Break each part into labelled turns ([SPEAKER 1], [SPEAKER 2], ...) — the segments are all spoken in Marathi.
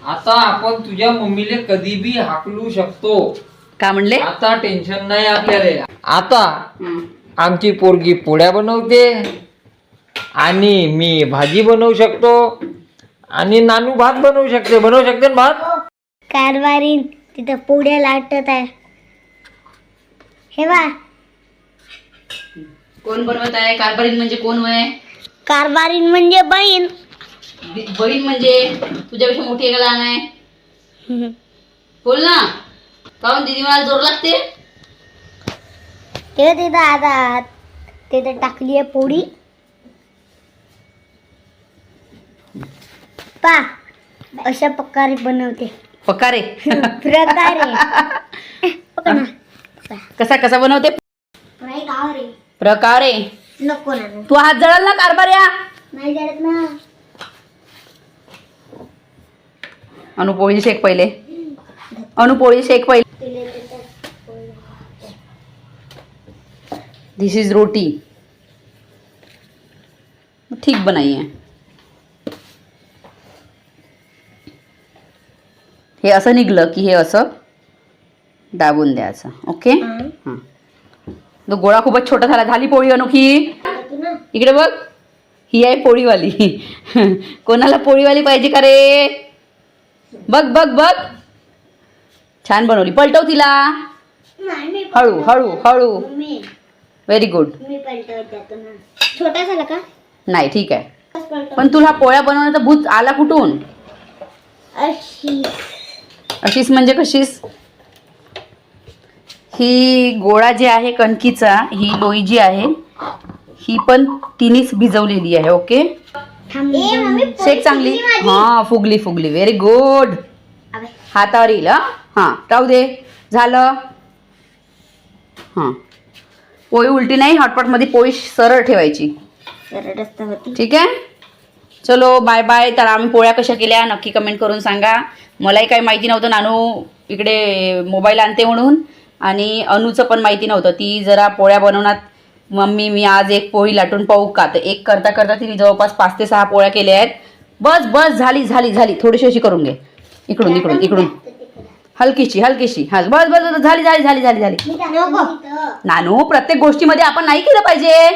[SPEAKER 1] आता आपण तुझ्या मम्मीले कधी बी हाकलू शकतो.
[SPEAKER 2] का म्हणले?
[SPEAKER 1] आता टेन्शन नाही आपल्याला. आता आमची पोरगी पोळ्या बनवते आणि मी भाजी बनवू शकतो आणि नानू भात बनवू शकते. ना भात?
[SPEAKER 3] कारभारीन तिथं पोळ्या लाटत आहे. हे बा,
[SPEAKER 2] कोण बनवत आहे? कारभारीन म्हणजे कोण वय?
[SPEAKER 3] कारभारीन म्हणजे बहीण.
[SPEAKER 2] बहीण म्हणजे तुझ्यापेक्षा मोठी आहे का लहान आहे? बोल ना. काहून दीदी मला जोर लागते?
[SPEAKER 3] ते तिथं आता तिथं टाकली आहे पोळी. पा अशा प्रकारे बनवते.
[SPEAKER 2] पकारे.
[SPEAKER 3] प्रकारे
[SPEAKER 2] कसा कसा बनवते? प्रकारे.
[SPEAKER 3] नको ना,
[SPEAKER 2] तू हात जळाल ना कारभार्या.
[SPEAKER 3] नाही जळत ना.
[SPEAKER 2] अनु पोळी शेक पहिले. अनु पोळी शेक पहिले. This is roti. ठीक बनाई है. हे असं निघलं की हे असं दाबून द्यायचं. ओके. हां, तो गोळा खूपच छोटा झाला. झाली पोळी अनोखी. इकडे बघ, ही आहे पोळीवाली. कोणाला पोळीवाली पाहिजे का रे? बघ बघ बघ, छान बनवली. पलटव तिला. हळू हळू हळू. Very good.
[SPEAKER 3] छोटा झाला का?
[SPEAKER 2] नाही, ठीक आहे. पण तुला पोळ्या बनवण्याचा भूत आला कुठून? अशीच म्हणजे कशीच? ही गोळा जे आहे कणकीचा, ही लोई जी आहे ही पण तिनेच भिजवलेली आहे. ओके. शेक चांगली. हा, फुगली फुगली. Very good. हातावर येईल. हा, राहू दे. झालं. हां, पोळी उलटी नाही. हॉटपॉटमध्ये पोळी सरळ ठेवायची. ठीक आहे. चलो बाय बाय. तर आम्ही पोळ्या कशा केल्या नक्की कमेंट करून सांगा. मलाही काही माहिती नव्हतं. नानू इकडे मोबाईल आणते म्हणून, आणि अनुचं पण माहिती नव्हतं. ती जरा पोळ्या बनवण्यात, मम्मी मी आज एक पोळी लाटून पाहू का? तर एक करता करता तिने जवळपास 5 ते 6 पोळ्या केल्या आहेत. बस बस, झाली झाली झाली. थोडीशी अशी करून घे. इकडून इकडून इकडून हलकीशी हलकीशी. हा, बस बस बस, झाली झाली झाली झाली झाली. नानू, प्रत्येक गोष्टीमध्ये आपण नाही केलं पाहिजे.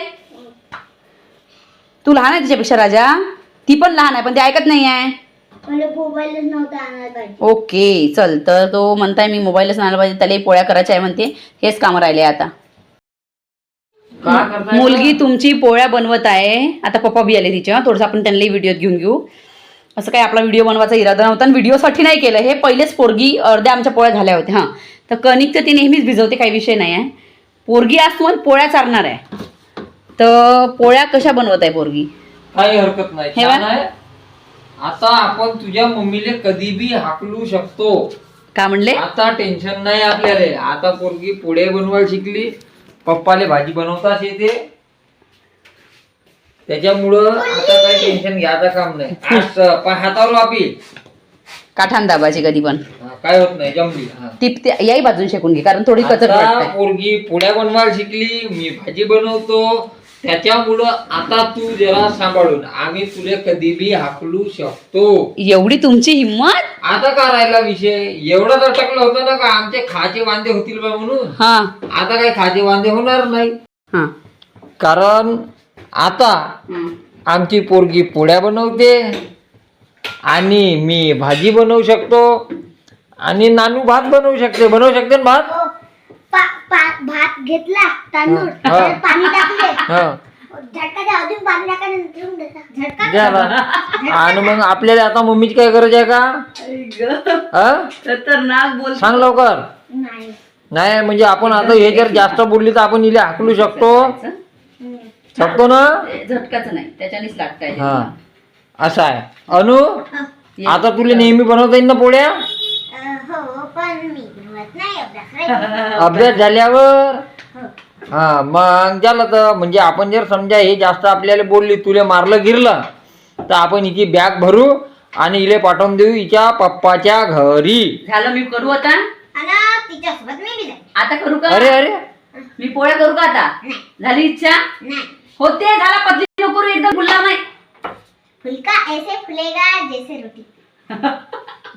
[SPEAKER 2] तू लहान आहे तिच्यापेक्षा राजा. ती पण लहान आहे, पण ती ऐकत नाही आहे. ओके, चल. तर तो म्हणताय मी मोबाईलच आणायला पाहिजे, त्याला पोळ्या करायच्या आहे म्हणते. हेच काम राहिले आता. मुलगी तुमची पोळ्या बनवत आहे. आता पप्पा बी आले तिच्या. थोडंसं आपण त्यांनाही व्हिडिओ घेऊन घेऊ. असं काही आपला व्हिडिओ बनवायचा इरादा नव्हता आणि व्हिडिओसाठी नाही केलं हे. पहिलेच पोरगी अर्ध्या आमच्या पोळ्या झाल्या होत्या. हां, तर कणिक तर ती नेहमीच भिजवते, काही विषय नाही आहे. पोरगी आज तुम्हाला पोळ्या चारणार आहे. तर पोळ्या कशा बनवत आहे पोरगी?
[SPEAKER 1] काही हरकत नाही. छान आहे. आता आपण तुझ्या मम्मीले कधी बी हाकलू शकतो.
[SPEAKER 2] का म्हणले?
[SPEAKER 1] आता टेन्शन नाही आपल्याला. आता पोरगी पोळ्या बनवायला शिकली. पप्पाले भाजी बनवताच येते, त्याच्यामुळं आता काही टेन्शन घ्यायचं काम नाही. आज हातावर वापी
[SPEAKER 2] काठान दाबाची कधी पण
[SPEAKER 1] काय होत नाही. जमली.
[SPEAKER 2] ती याही बाजून शेकून घे, कारण थोडी कचर वाटते.
[SPEAKER 1] पोरगी पोळ्या बनवायला शिकली, मी भाजी बनवतो, त्याच्यामुळं आता तू जरा सांभाळून. आम्ही तुला कधी बी हाकलू शकतो.
[SPEAKER 2] एवढी तुमची हिम्मत?
[SPEAKER 1] आता का राहिला विषय? एवढं अटकलं होतं ना का आमचे खाचे वांदे होतील बा म्हणून.
[SPEAKER 2] हा,
[SPEAKER 1] आता काही खाचे वांदे होणार नाही.
[SPEAKER 2] हा,
[SPEAKER 1] कारण आता आमची पोरगी पोळ्या बनवते आणि मी भाजी बनवू शकतो आणि नानू भात बनवू शकते. ना भात?
[SPEAKER 3] भात घेतला, तांदूळ पाणी टाकले, झटका अजून पाणी टाकायला.
[SPEAKER 1] आणि मग आपल्याला आता मम्मीची काय गरज आहे का?
[SPEAKER 2] खतरनाक बोल.
[SPEAKER 1] सांग लवकर. नाही म्हणजे आपण आता हे जर जास्त बोलली तर आपण हिला हाकलू शकतो ना.
[SPEAKER 2] झटकाच नाही, त्याच्यानेच लागताय.
[SPEAKER 1] हा, असं आहे. अनु, आता तुला नेहमी बनवता येईल ना पोळ्या? अभ्यास झाल्यावर. हा, मग झालं. तर म्हणजे आपण जर समजा हे जास्त आपल्याला बोलली, तुला मारलं गिरलं, तर आपण हिची बॅग भरू आणि इले पाठवून देऊ हिच्या पप्पाच्या घरी.
[SPEAKER 2] झालं, मी करू आता. आता करू का?
[SPEAKER 1] अरे अरे,
[SPEAKER 2] मी पोळ्या करू का आता? झाली इच्छा? होते. झाला. पतली नको करू, एकदम गुलाम आहे.
[SPEAKER 3] फुलका ऐसे फुलेगा जैसे रोटी.